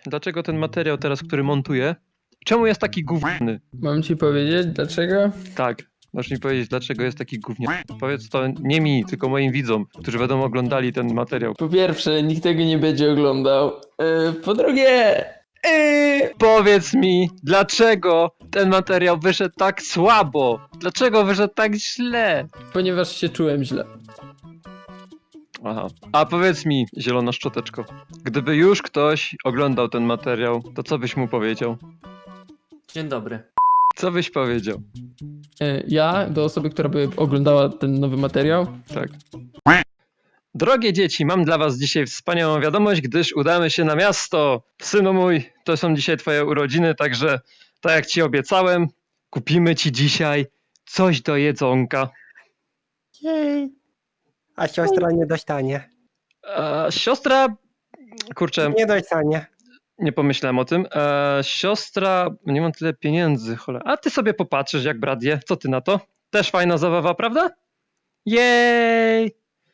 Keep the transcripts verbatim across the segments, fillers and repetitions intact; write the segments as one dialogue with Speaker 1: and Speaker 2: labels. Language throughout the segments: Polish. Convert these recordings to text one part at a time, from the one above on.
Speaker 1: dlaczego ten materiał teraz, który montuję, czemu jest taki gówniany?
Speaker 2: Mam ci powiedzieć dlaczego?
Speaker 1: Tak, możesz mi powiedzieć, dlaczego jest taki gówniany. Powiedz to nie mi, tylko moim widzom, którzy będą oglądali ten materiał.
Speaker 2: Po pierwsze, nikt tego nie będzie oglądał. Yy, po drugie... Yy,
Speaker 1: Powiedz mi, dlaczego ten materiał wyszedł tak słabo? Dlaczego wyszedł tak źle?
Speaker 2: ponieważ się czułem źle.
Speaker 1: Aha. A powiedz mi, zielona szczoteczko, gdyby już ktoś oglądał ten materiał, to co byś mu powiedział?
Speaker 3: Dzień dobry.
Speaker 1: Co byś powiedział?
Speaker 2: Yy, ja, do osoby, która by oglądała ten nowy materiał,
Speaker 1: Tak. Drogie dzieci, mam dla was dzisiaj wspaniałą wiadomość, gdyż udamy się na miasto. Synu mój, to są dzisiaj twoje urodziny, także tak jak ci obiecałem, kupimy ci dzisiaj coś do jedzonka.
Speaker 4: Jej. A siostra nie dostanie.
Speaker 1: A siostra, kurczę,
Speaker 4: Nie dostanie.
Speaker 1: nie pomyślałem o tym. E, siostra, nie mam tyle pieniędzy, cholera. A ty sobie popatrzysz, jak brat je. Co ty na to? Też fajna zabawa, prawda? Jej!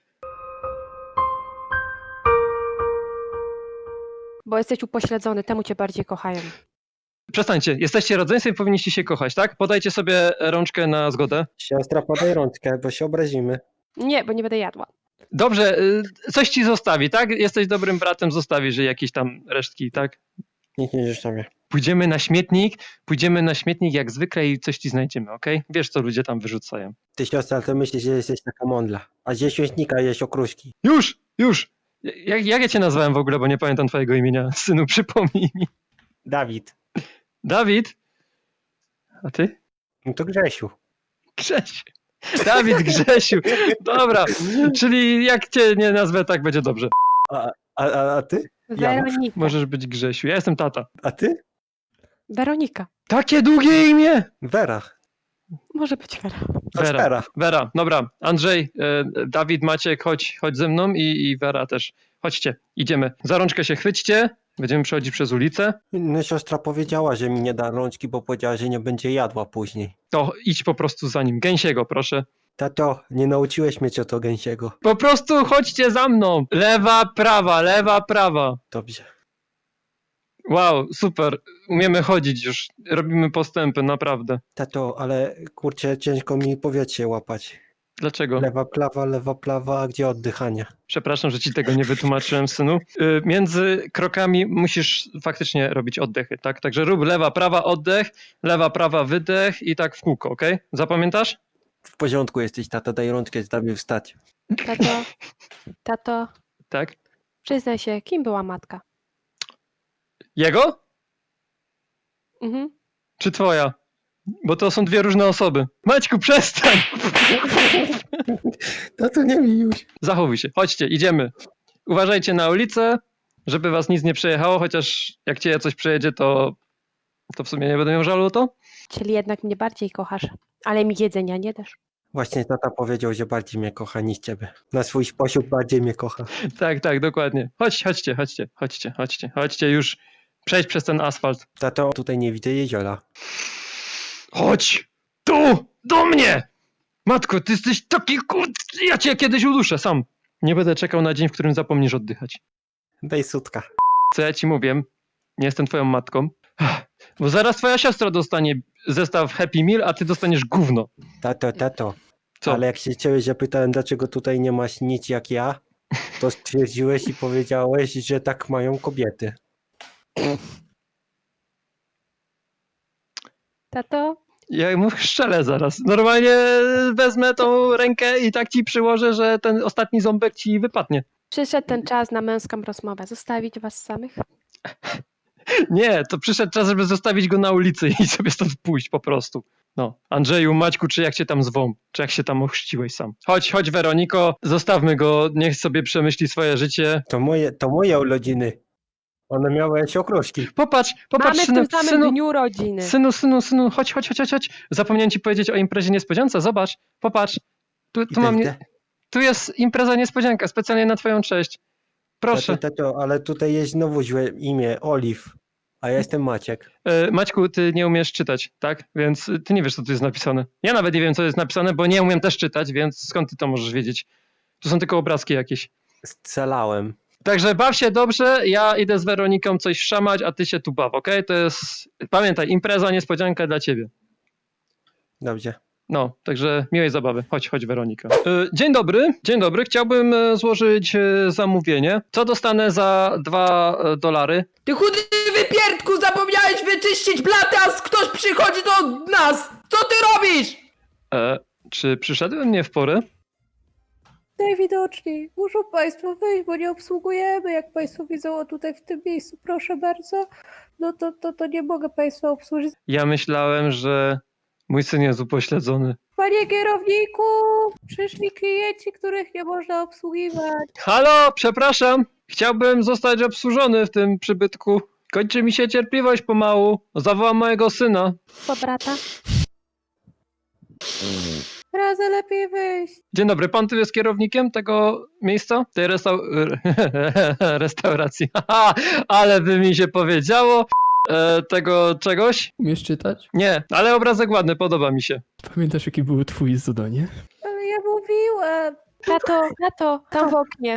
Speaker 5: Bo jesteś upośledzony, temu cię bardziej kochają.
Speaker 1: Przestańcie, jesteście rodzeństwem i powinniście się kochać, tak? Podajcie sobie rączkę na zgodę.
Speaker 4: Siostra, podaj rączkę, bo się obrazimy.
Speaker 5: Nie, bo nie będę jadła.
Speaker 1: Dobrze, y, coś ci zostawi, tak? Jesteś dobrym bratem, zostawisz jej jakieś tam resztki, tak?
Speaker 4: Nikt nie zostawia.
Speaker 1: Pójdziemy na śmietnik, pójdziemy na śmietnik jak zwykle i coś ci znajdziemy, okej? Wiesz, co ludzie tam wyrzucają.
Speaker 4: Ty siostra, to myślisz, że jesteś taka mądla. A ze śmietnika jeść okruszki.
Speaker 1: Już, już! Jak, jak ja cię nazwałem w ogóle, bo nie pamiętam twojego imienia. Synu, przypomnij mi.
Speaker 4: Dawid.
Speaker 1: Dawid? A ty?
Speaker 4: No to Grzesiu.
Speaker 1: Grzesiu. Dawid Grzesiu. Dobra, czyli jak cię nie nazwę, tak będzie dobrze.
Speaker 4: A, a, a, a ty?
Speaker 5: Weronika.
Speaker 1: Możesz być Grzesiu. Ja jestem tata.
Speaker 4: A ty?
Speaker 5: Weronika.
Speaker 1: Takie długie imię!
Speaker 4: Wera.
Speaker 5: Może być Wera.
Speaker 1: Wera.
Speaker 4: Wera.
Speaker 1: Wera, dobra. Andrzej, e, Dawid, Maciek, chodź, chodź ze mną i, i Wera też. Chodźcie, idziemy. Za rączkę się chwyćcie. Będziemy przechodzić przez ulicę.
Speaker 4: No siostra powiedziała, że mi nie da rączki, bo powiedziała, że nie będzie jadła później.
Speaker 1: To idź po prostu za nim. Gęsiego, proszę.
Speaker 4: Tato, nie nauczyłeś mnie co to gęsiego.
Speaker 1: Po prostu chodźcie za mną. Lewa, prawa, lewa, prawa.
Speaker 4: Dobrze.
Speaker 1: Wow, super. Umiemy chodzić już. Robimy postępy, naprawdę.
Speaker 4: Tato, ale kurczę, ciężko mi powietrze łapać.
Speaker 1: Dlaczego?
Speaker 4: Lewa plawa, lewa plawa, a gdzie oddychanie?
Speaker 1: Przepraszam, że ci tego nie wytłumaczyłem, synu. Y, Między krokami musisz faktycznie robić oddechy, tak? Także rób lewa, prawa, oddech, lewa, prawa, wydech i tak w kółko, okej? Zapamiętasz?
Speaker 4: W porządku jesteś, tata, daj rączkę, zdamy wstać.
Speaker 5: Tato, tato,
Speaker 1: Tak.
Speaker 5: przyznaj się, kim była matka?
Speaker 1: Jego?
Speaker 5: Mhm.
Speaker 1: Czy twoja? Bo to są dwie różne osoby. Maćku, przestań!
Speaker 4: Tato, nie mi już.
Speaker 1: Zachowuj się. Chodźcie, idziemy. Uważajcie na ulicę, żeby was nic nie przejechało, chociaż jak cię coś przejedzie, to, to w sumie nie będę miał żalu o to.
Speaker 5: Czyli jednak mnie bardziej kochasz, ale mi jedzenia nie dasz.
Speaker 4: Właśnie tata powiedział, że bardziej mnie kocha niż ciebie. Na swój sposób bardziej mnie kocha.
Speaker 1: Tak, tak, dokładnie. Chodź, chodźcie, chodźcie, chodźcie, chodźcie, chodźcie już. Przejdź przez ten asfalt.
Speaker 4: Tato, tutaj nie widzę jeziora.
Speaker 1: Chodź! Tu! Do mnie! Matko, ty jesteś taki kur... Ja cię kiedyś uduszę sam. Nie będę czekał na dzień, w którym zapomnisz oddychać.
Speaker 4: Daj sutka.
Speaker 1: Co ja ci mówię? Nie jestem twoją matką. Bo zaraz twoja siostra dostanie zestaw Happy Meal, a ty dostaniesz gówno.
Speaker 4: Tato, tato.
Speaker 1: Co?
Speaker 4: Ale jak się ciebie zapytałem, dlaczego tutaj nie masz nic jak ja, to stwierdziłeś i powiedziałeś, że tak mają kobiety.
Speaker 5: Tato,
Speaker 1: Ja mu szczelę zaraz. Normalnie wezmę tą rękę i tak ci przyłożę, że ten ostatni ząbek ci wypadnie.
Speaker 5: przyszedł ten czas na męską rozmowę. Zostawić was samych?
Speaker 1: Nie, to przyszedł czas, żeby zostawić go na ulicy i sobie stąd pójść po prostu. No, Andrzeju, Maćku, czy jak cię tam zwą? Czy jak się tam ochrzciłeś sam? Chodź, chodź Weroniko, zostawmy go, niech sobie przemyśli swoje życie.
Speaker 4: To moje, to moje urodziny. One miały jakieś okruszki.
Speaker 1: Popatrz, popatrz,
Speaker 5: Mamy w
Speaker 1: synu,
Speaker 5: tym samym
Speaker 1: synu,
Speaker 5: dniu rodziny.
Speaker 1: synu, synu, synu, chodź, chodź, chodź, chodź, chodź. Zapomniałem ci powiedzieć o imprezie niespodziance, zobacz, popatrz. Tu, tu
Speaker 4: Idę,
Speaker 1: mam, nie...
Speaker 4: idę.
Speaker 1: tu jest impreza niespodzianka, specjalnie na twoją cześć. Proszę.
Speaker 4: Tato, tato, ale tutaj jest znowu złe imię, Oliw. A ja jestem Maciek.
Speaker 1: E, Maćku, ty nie umiesz czytać, tak? Więc ty nie wiesz, co tu jest napisane. Ja nawet nie wiem, co jest napisane, bo nie umiem też czytać, więc skąd ty to możesz wiedzieć? Tu są tylko obrazki jakieś.
Speaker 4: Scalałem.
Speaker 1: Także baw się dobrze, ja idę z Weroniką coś szamać, a ty się tu baw, okej? To jest, pamiętaj, impreza, niespodzianka dla ciebie.
Speaker 4: Dobrze.
Speaker 1: No, także miłej zabawy. Chodź, chodź Weronika. Y, Dzień dobry, dzień dobry. Chciałbym e, złożyć e, zamówienie. Co dostanę za dwa e, dolary?
Speaker 2: Ty chudy wypierdku, zapomniałeś wyczyścić blatę, a ktoś przychodzi do nas! Co ty robisz?
Speaker 1: E, czy przyszedłem nie w porę?
Speaker 6: Najwidoczniej. Muszą Państwo wyjść, bo nie obsługujemy. Jak Państwo widzą o tutaj w tym miejscu, proszę bardzo, no to, to, to nie mogę Państwa obsłużyć.
Speaker 1: Ja myślałem, że mój syn jest upośledzony.
Speaker 6: Panie kierowniku, przyszli klienci, których nie można obsługiwać.
Speaker 1: Halo, przepraszam. Chciałbym zostać obsłużony w tym przybytku. Kończy mi się cierpliwość pomału. Zawołam mojego syna.
Speaker 5: Po brata.
Speaker 6: Razem lepiej wyjść.
Speaker 1: Dzień dobry, pan tu jest kierownikiem tego miejsca? Tej restau... restauracji. Haha, ale by mi się powiedziało. E, tego czegoś?
Speaker 2: Umiesz czytać?
Speaker 1: Nie, ale obrazek ładny, podoba mi się.
Speaker 2: Pamiętasz, jakie było twoje zadanie?
Speaker 6: Ale ja mówiłam.
Speaker 5: Tato, tato, tam w oknie.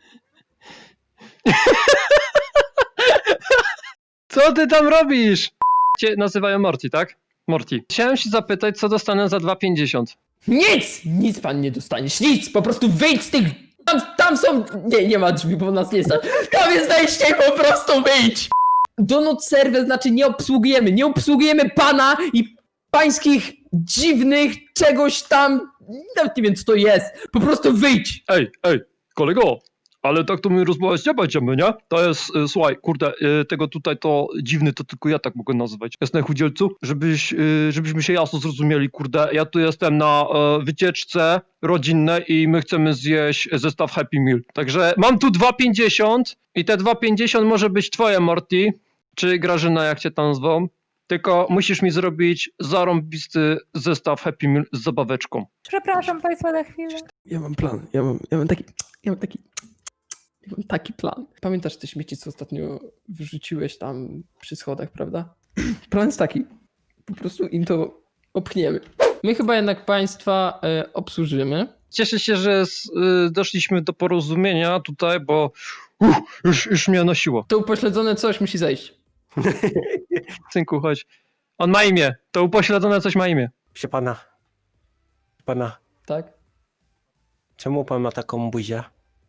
Speaker 1: Co ty tam robisz? Cię nazywają Morty, tak? Morty. Chciałem się zapytać, co dostanę za dwa pięćdziesiąt.
Speaker 2: Nic! Nic pan nie dostaniesz, nic! Po prostu wyjdź z tych... Tam, tam są... Nie, nie ma drzwi, bo nas nie stać. Tam jest wejście, po prostu wyjdź! Donut serwer znaczy nie obsługujemy, nie obsługujemy pana i pańskich dziwnych czegoś tam... Nawet nie wiem, co to jest. Po prostu wyjdź!
Speaker 1: Ej, ej, kolego, ale tak to my rozmawiać nie będziemy, nie? To jest, y, słuchaj, kurde, y, tego tutaj to dziwny, to tylko ja tak mogę nazywać. Jasne, chudzielcu? Żebyś, y, żebyśmy się jasno zrozumieli, kurde, ja tu jestem na y, wycieczce rodzinnej i my chcemy zjeść zestaw Happy Meal. Także mam tu dwa pięćdziesiąt i te dwa pięćdziesiąt może być twoje, Morty, czy Grażyna, jak cię tam zwą. Tylko musisz mi zrobić zarąbisty zestaw Happy Meal z zabaweczką.
Speaker 6: Przepraszam Państwa na chwilę.
Speaker 2: Ja mam plan, ja mam, ja mam taki... Ja mam taki... Ja mam taki plan. Pamiętasz te śmieci, co ostatnio wyrzuciłeś tam przy schodach, prawda? Plan jest taki. Po prostu im to opchniemy. My chyba jednak państwa e, obsłużymy.
Speaker 1: Cieszę się, że z, y, doszliśmy do porozumienia tutaj, bo uff, już, już mnie nosiło.
Speaker 2: To upośledzone coś musi zejść.
Speaker 1: Synku, chodź. On ma imię. To upośledzone coś ma imię.
Speaker 4: Proszę pana. Pana,
Speaker 2: Tak?
Speaker 4: czemu pan ma taką buzię?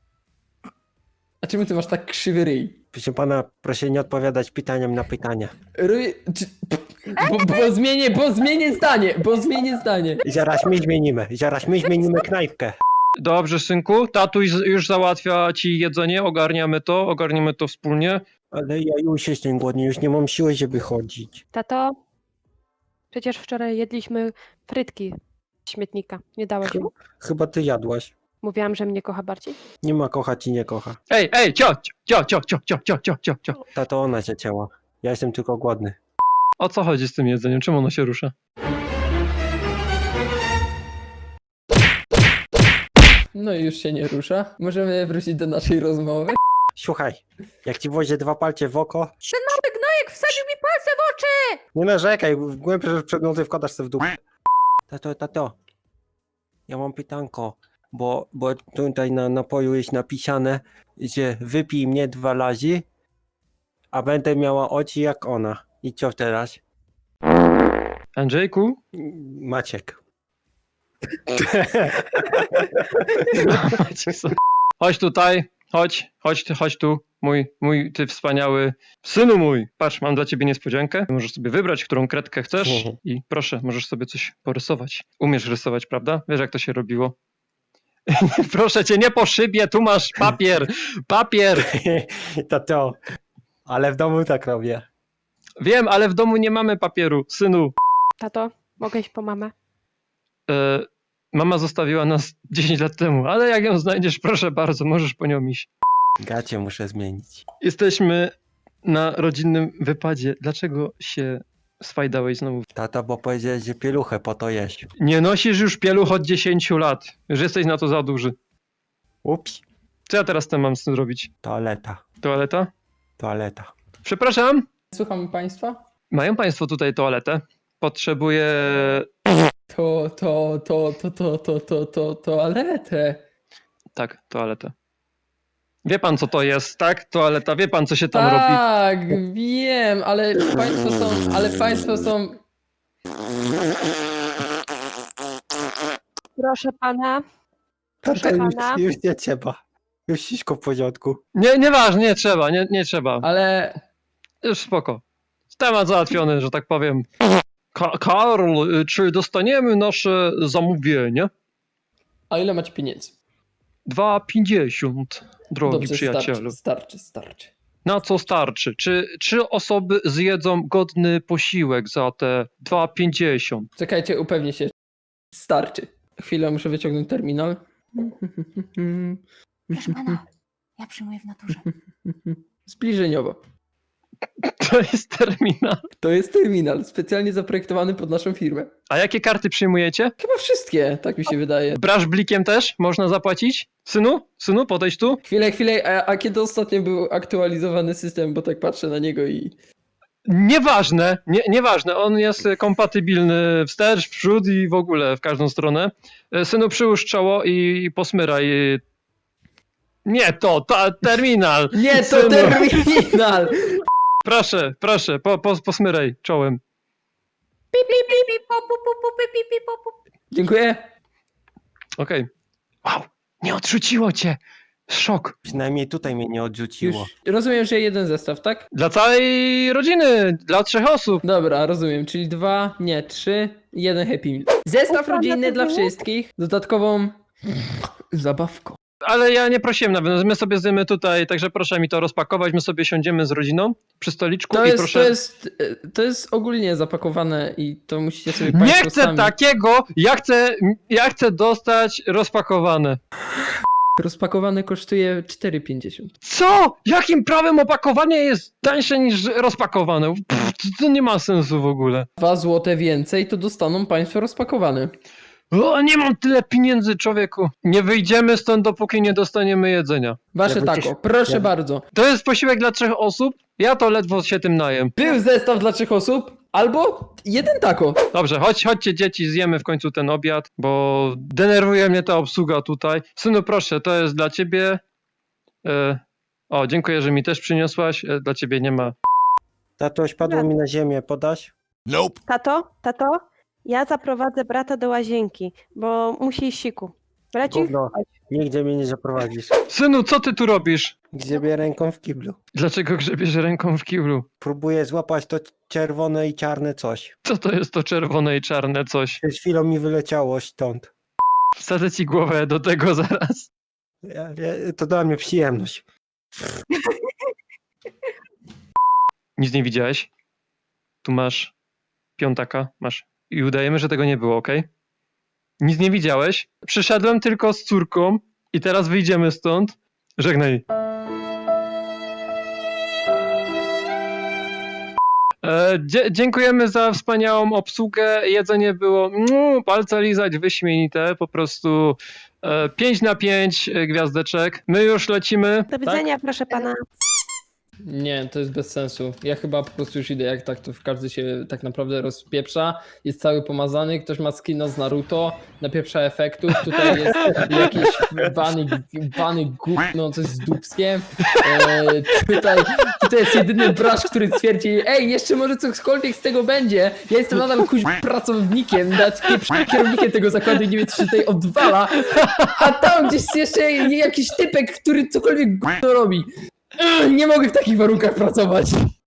Speaker 2: A czemu ty masz tak krzywy ryj?
Speaker 4: Proszę pana, proszę nie odpowiadać pytaniem na pytania.
Speaker 2: Ryj... Czy... Bo, bo zmienię, bo zmienię zdanie, bo zmienię zdanie.
Speaker 4: Zaraz my zmienimy, zaraz my zmienimy knajpkę.
Speaker 1: Dobrze, synku. Tatuś z- już załatwia ci jedzenie. Ogarniamy to. Ogarniemy to wspólnie.
Speaker 4: Ale ja już jestem głodny, już nie mam siły, żeby chodzić.
Speaker 5: Tato, przecież wczoraj jedliśmy frytki z śmietnika. Nie dałeś mu?
Speaker 4: Chyba ty jadłaś.
Speaker 5: Mówiłam, że mnie kocha bardziej.
Speaker 4: Nie ma kochać i nie kocha.
Speaker 1: Ej, ej, cio, cio, cio, cio, cio, cio, cio, cio, cio.
Speaker 4: Ta to ona się cięła. Ja jestem tylko głodny.
Speaker 1: O co chodzi z tym jedzeniem? Czemu ono się rusza?
Speaker 2: No i już się nie rusza. Możemy wrócić do naszej rozmowy.
Speaker 4: Słuchaj, jak ci wozie dwa palce w oko,
Speaker 6: Ten mały gnojek wsadził mi palce w oczy!
Speaker 4: nie narzekaj, głębsze przedmioty wkładasz sobie w dupę. Tato, tato, ja mam pytanko, bo, bo tutaj na napoju jest napisane, że wypij mnie dwa razy, a będę miała oczy jak ona. I co teraz?
Speaker 1: Andrzejku?
Speaker 4: Maciek.
Speaker 1: Chodź tutaj. Chodź, chodź, ty, chodź tu. Mój, mój, ty wspaniały synu mój. Patrz, mam dla ciebie niespodziankę. Możesz sobie wybrać, którą kredkę chcesz
Speaker 4: Mhm.
Speaker 1: i proszę, możesz sobie coś porysować. Umiesz rysować, prawda? Wiesz, jak to się robiło? Proszę cię, nie po szybie, tu masz papier, papier.
Speaker 4: Tato, ale w domu tak robię.
Speaker 1: Wiem, ale w domu nie mamy papieru, synu.
Speaker 5: Tato, mogę iść po mamę?
Speaker 1: E, mama zostawiła nas dziesięć lat temu, ale jak ją znajdziesz, proszę bardzo, możesz po nią iść.
Speaker 4: Gacie muszę zmienić.
Speaker 1: Jesteśmy na rodzinnym wypadzie. Dlaczego się swajdałeś znowu?
Speaker 4: Tata, bo powiedziałeś, że pieluchę po to jeść.
Speaker 1: Nie nosisz już pieluch od dziesięciu lat. Już jesteś na to za duży.
Speaker 4: Ups,
Speaker 1: Co ja teraz z tym mam z tym zrobić?
Speaker 4: toaleta,
Speaker 1: Toaleta?
Speaker 4: toaleta.
Speaker 1: Przepraszam,
Speaker 2: Słucham państwa?
Speaker 1: mają państwo tutaj toaletę? Potrzebuję...
Speaker 2: To, to, to, to, to, to, to, to, toaletę.
Speaker 1: Tak, toaletę. Wie pan, co to jest, tak? Toaleta, wie pan, co się tam robi?
Speaker 2: Tak, wiem, ale państwo są, ale państwo są...
Speaker 5: Proszę pana. Proszę
Speaker 4: Tato,
Speaker 5: pana.
Speaker 4: już, już nie trzeba. Już wszystko w porządku.
Speaker 1: Nie, nieważne, nie trzeba, nie, nie trzeba.
Speaker 2: Ale...
Speaker 1: Już spoko. Temat załatwiony, że tak powiem. Ka- Karl, y, czy dostaniemy nasze zamówienie?
Speaker 2: A ile macie pieniędzy?
Speaker 1: dwa pięćdziesiąt, drogi
Speaker 2: Dobrze,
Speaker 1: przyjacielu.
Speaker 2: starczy, starczy, starczy.
Speaker 1: Na co starczy? Czy trzy osoby zjedzą godny posiłek za te dwa pięćdziesiąt?
Speaker 2: Czekajcie, upewnię się. Starczy. Chwilę, muszę wyciągnąć terminal.
Speaker 7: Proszę pana, ja przyjmuję w naturze.
Speaker 2: Zbliżeniowo.
Speaker 1: To jest terminal.
Speaker 2: To jest terminal specjalnie zaprojektowany pod naszą firmę.
Speaker 1: A jakie karty przyjmujecie?
Speaker 2: Chyba wszystkie, tak mi się wydaje.
Speaker 1: Brasz blikiem też można zapłacić? Synu? Synu, podejdź tu.
Speaker 2: Chwilę, chwilę, a, a kiedy ostatnio był aktualizowany system, bo tak patrzę na niego i...
Speaker 1: Nieważne, nie, nieważne, on jest kompatybilny wstecz, w przód i w ogóle w każdą stronę. E, Synu, przyłóż czoło i, i posmyraj. Nie to, ta, terminal.
Speaker 2: Nie, to
Speaker 1: Synu.
Speaker 2: terminal!
Speaker 1: Proszę, proszę, po, po, posmyraj czołem.
Speaker 6: Pip, pip, pip, pip, pop, pop, pop, pop, pip, pip, pop, pop.
Speaker 2: Dziękuję.
Speaker 1: Okej. Wow, nie odrzuciło cię. Szok.
Speaker 4: Przynajmniej tutaj mnie nie
Speaker 2: Już
Speaker 4: odrzuciło.
Speaker 2: rozumiem, że jeden zestaw, tak?
Speaker 1: Dla całej rodziny, dla trzech osób.
Speaker 2: Dobra, rozumiem, czyli dwa, nie, trzy, jeden Happy Meal. Zestaw
Speaker 5: Ufam,
Speaker 2: rodzinny
Speaker 5: to
Speaker 2: dla
Speaker 5: było?
Speaker 2: wszystkich, z dodatkową zabawką.
Speaker 1: Ale ja nie prosiłem nawet, my sobie zjemy tutaj, także proszę mi to rozpakować, my sobie siądziemy z rodziną przy stoliczku
Speaker 2: To
Speaker 1: i
Speaker 2: jest,
Speaker 1: proszę...
Speaker 2: to jest, e, to jest ogólnie zapakowane i to musicie sobie
Speaker 1: Nie
Speaker 2: państwo
Speaker 1: chcę
Speaker 2: sami...
Speaker 1: takiego, ja chcę, ja chcę dostać rozpakowane.
Speaker 2: Rozpakowane kosztuje cztery pięćdziesiąt.
Speaker 1: Co? Jakim prawem opakowanie jest tańsze niż rozpakowane? Pff, to, to nie ma sensu w ogóle.
Speaker 2: Dwa złote więcej, to dostaną państwo rozpakowane.
Speaker 1: O, nie mam tyle pieniędzy, człowieku. Nie wyjdziemy stąd, dopóki nie dostaniemy jedzenia.
Speaker 2: Wasze
Speaker 4: Ja
Speaker 2: tako,
Speaker 4: wycisz-
Speaker 2: proszę
Speaker 4: ja-
Speaker 2: bardzo.
Speaker 1: To jest posiłek dla trzech osób, ja to ledwo się tym najem.
Speaker 2: Był zestaw dla trzech osób, albo jeden tako.
Speaker 1: Dobrze, chodź, chodźcie dzieci, zjemy w końcu ten obiad, bo denerwuje mnie ta obsługa tutaj. Synu, proszę, to jest dla ciebie. E, o, dziękuję, że mi też przyniosłaś. E, dla ciebie nie ma.
Speaker 4: Tato, spadło mi na ziemię, podasz?
Speaker 5: Tato, tato, ja zaprowadzę brata do łazienki, bo musi iść siku. Bracik?
Speaker 4: Gówno, nigdzie mnie nie zaprowadzisz.
Speaker 1: Synu, co ty tu robisz?
Speaker 4: Grzebię ręką w kiblu.
Speaker 1: Dlaczego grzebiesz ręką w kiblu?
Speaker 4: Próbuję złapać to czerwone i czarne coś.
Speaker 1: Co to jest to czerwone i czarne coś?
Speaker 4: Przed chwilą mi wyleciało stąd.
Speaker 1: Wsadzę ci głowę do tego zaraz.
Speaker 4: Ja, ja, to dla mnie przyjemność.
Speaker 1: Nic nie widziałeś? Tu masz piątaka, masz. I udajemy, że tego nie było, okej? Nic nie widziałeś? Przyszedłem tylko z córką i teraz wyjdziemy stąd. Żegnaj. E, dzie- dziękujemy za wspaniałą obsługę. Jedzenie było mm, palce lizać, wyśmienite. Po prostu e, pięć na pięć gwiazdeczek. My już lecimy.
Speaker 5: Do widzenia, proszę pana.
Speaker 2: Nie, to jest bez sensu. Ja chyba po prostu już idę, jak tak to każdy się tak naprawdę rozpieprza. Jest cały pomazany, ktoś ma skina z Naruto, napieprza efektów, tutaj jest jakiś bany, bany gówno, coś z dupskiem. E, tutaj, tutaj jest jedyny brasz, który twierdzi, ej, jeszcze może cokolwiek z tego będzie. Ja jestem nadal kuź pracownikiem, nawet pieprznym kierownikiem tego zakładu i nie wiem, co się tutaj odwala. A tam gdzieś jest jeszcze jakiś typek, który cokolwiek gówno robi. Ugh, nie mogę w takich warunkach pracować.